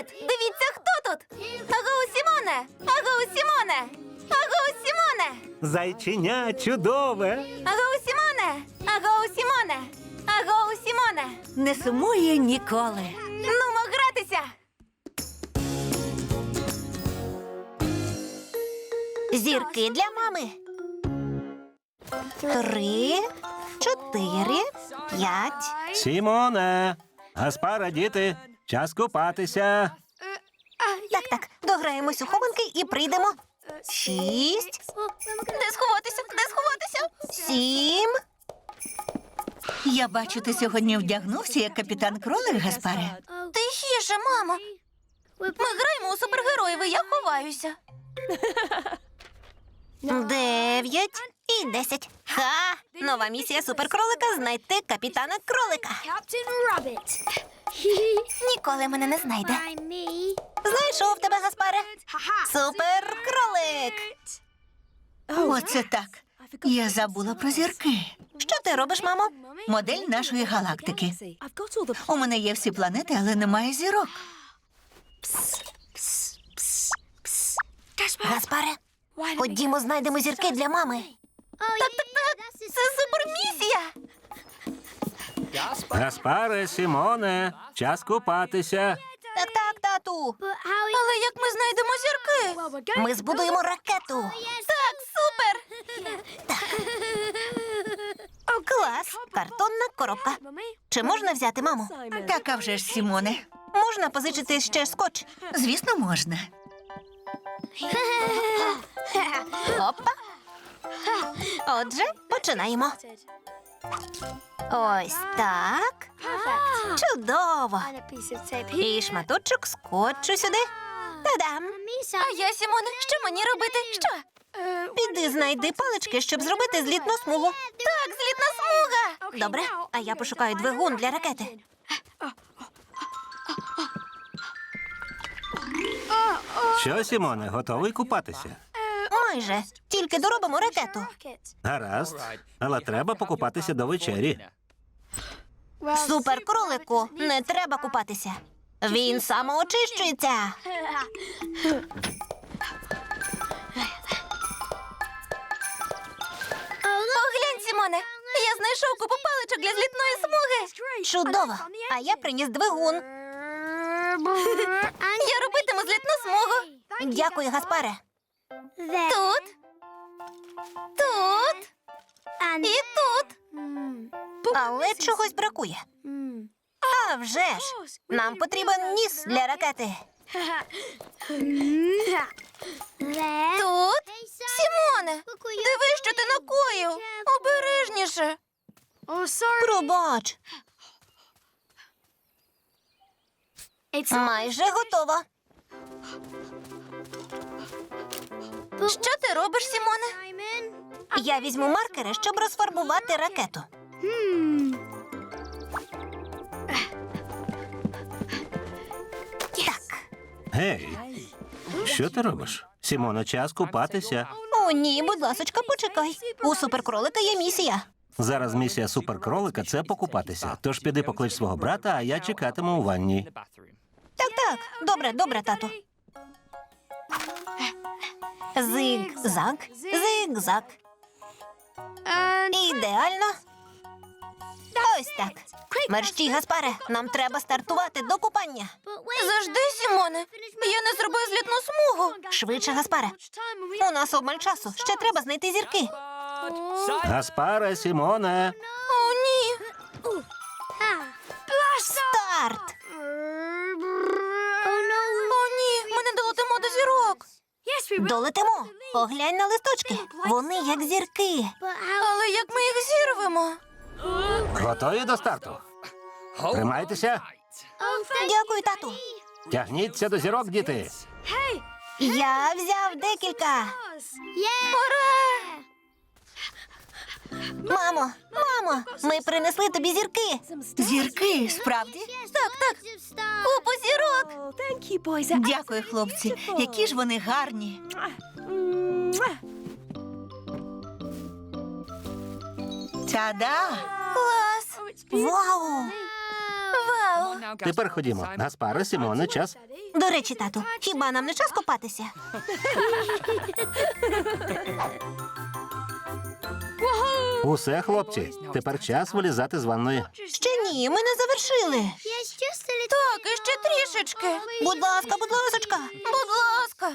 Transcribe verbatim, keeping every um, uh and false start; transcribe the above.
тут? Дивіться, хто тут? Агоу, Сімоне! Агоу, Сімоне! Агоу, Сімоне! Зайченя чудове. Агоу, Сімоне! Агоу, Сімоне! Агоу, Сімоне! Не сумує ніколи. Нумо гратися! Зірки для мами. Три, чотири, п'ять. Сімоне, Гаспара, діти, час купатися. Так, так, дограємось у хованки і прийдемо. Шість, Де сховатися? Де сховатися? сім. Я бачу, ти сьогодні вдягнувся як капітан Кролик, Гаспаре. Тихіше, мамо. Ми граємо у супергероїв, і я ховаюся. Дев'ять і десять. Ха! Нова місія суперкролика — знайти капітана кролика. Captain Rabbit. Ніколи мене не знайде. By me. Знайшов тебе, Гаспаре. Haha. Суперкролик. Оце так. Я забула про зірки. Що ти робиш, мамо? Модель нашої галактики. У мене є всі планети, але немає зірок. Гаспаре, ходімо, знайдемо зірки для мами. Oh, так, так, так. Це супермісія! Гаспаре, Сімоне, час купатися. Так, так, тату. But how? Але як ми знайдемо зірки? Well, we're going. Ми збудуємо ракету. Так, супер! Клас. Картонна коробка. Mummy. Чи можна взяти, мамо? Так, а вже ж, Сімоне. Можна позичити ще скотч? Звісно, можна. Опа. Отже, починаємо. Ось так. Perfect. Чудово. And a piece of tape. І шматочок скотчу сюди. Та-дам. Misa. А я, Сімоне, що мені робити? Що? Піди знайди палички, щоб зробити злітну смугу. Так, злітна смуга! Добре, а я пошукаю двигун для ракети. Що, Сімоне, готовий купатися? Майже. Тільки доробимо ракету. Rocket. Гаразд, але треба покупатися до вечері. Суперкролику, не треба купатися. Він самоочищується. Поглянь, Сімоне, я знайшов купу паличок для злітної смуги. Чудово. А я приніс двигун. Я робитиму злітну смугу. Дякую, Гаспаре. There. Тут, тут And. і тут. Але чогось бракує. Mm. А вже ж. Нам потрібен ніс для ракети. There. Тут. Сімоне, Look what you- дивись, що ти накоїв. Обережніше. Oh, sorry. Пробач. It's Майже готово. Що ти робиш, Сімоне? Simon. Я візьму маркери, щоб розфарбувати ракету. Hmm. Так. Гей, що ти робиш? Сімоне, час купатися. О, ні, будь ласочка, почекай. У суперкролика є місія. Зараз місія суперкролика — це покупатися. Тож піди поклич свого брата, а я чекатиму у ванні. Так, так. Добре, добре, тату. Зиг-заг, зиг-заг. And. Ідеально. Ось так. Мерщій, Гаспаре, нам треба стартувати до купання. But wait. Завжди, Сімоне. Я не зробив злітну смугу. Швидше, Гаспаре. Much time. We. У нас обмаль часу. Ще треба знайти зірки. Гаспаре, Сімоне. О, ні. Ah. Старт! Oh no. О, ні. Ми не долетимо до зірок. Yes, we will. Долетимо. Поглянь на листочки. Вони як зірки. But how? Але як ми їх зірвемо? Готові до старту? Тримайтеся. Oh, thank Дякую, тату. Тягніться до зірок, діти. Hey. Я взяв декілька. Yeah. Ура! Мамо, мамо, ми принесли тобі зірки. Зірки, справді? Так, так. Of stars. Купу зірок. Дякую, хлопці. Які ж вони гарні. Та-да! Клас. Вау! Вау. Тепер ходімо. Гаспаре, Сімоне, час. До речі, тату, хіба нам не час купатися? Усе, хлопці, тепер час вилізати з ванної. Ще ні, ми не завершили. Yes, just a little. Так, іще трішечки. Будь ласка, будь ласочка. Будь ласка.